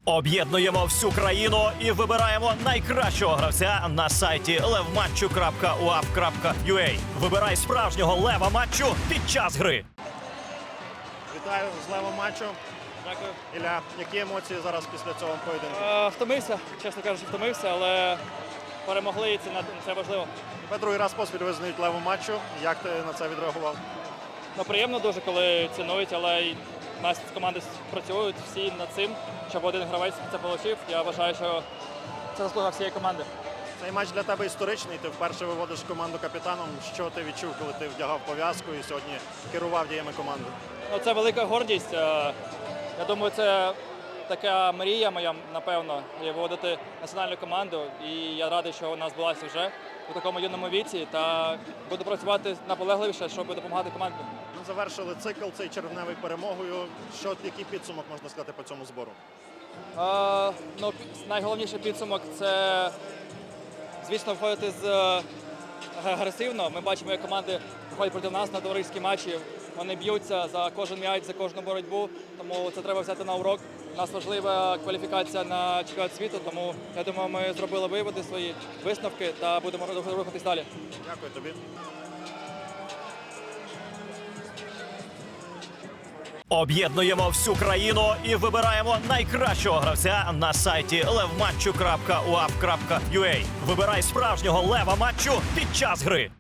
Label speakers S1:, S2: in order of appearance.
S1: Об'єднуємо всю країну і вибираємо найкращого гравця на сайті levmatchu.uaf.ua. Вибирай справжнього лева матчу під час гри.
S2: Вітаю з левом матчу.
S3: Дякую.
S2: Ілля, які емоції зараз після цього поєдинку?
S3: Втомився, чесно кажучи, втомився, але перемогли і це важливо.
S2: Тебе другий раз поспіль визнають левом матчу. Як ти на це відреагував?
S3: Ну, приємно дуже, коли цінують, але й у нас команди працюють всі над цим, щоб один гравець це отримав. Я вважаю, що це заслуга всієї команди.
S2: Цей матч для тебе історичний. Ти вперше виводиш команду капітаном. Що ти відчув, коли ти вдягав пов'язку і сьогодні керував діями команди?
S3: Ну, це велика гордість. Я думаю, це така мрія моя, напевно, виводити національну команду. І я радий, що вона збулася вже у такому юному віці. Та буду працювати наполегливіше, щоб допомагати команді.
S2: Ми завершили цикл цей червневий перемогою. Який підсумок можна сказати по цьому збору?
S3: Ну, найголовніший підсумок – це, звісно, виходити агресивно. Ми бачимо, як команди виходять проти нас на товариські матчі. Вони б'ються за кожен м'яч, за кожну боротьбу, тому це треба взяти на урок. У нас важлива кваліфікація на чемпіонат світу, тому, я думаю, ми зробили виводи, свої висновки та будемо рухатись далі.
S2: Дякую тобі.
S1: Об'єднуємо всю країну і вибираємо найкращого гравця на сайті levmatchu.uaf.ua. Вибирай справжнього лева матчу під час гри.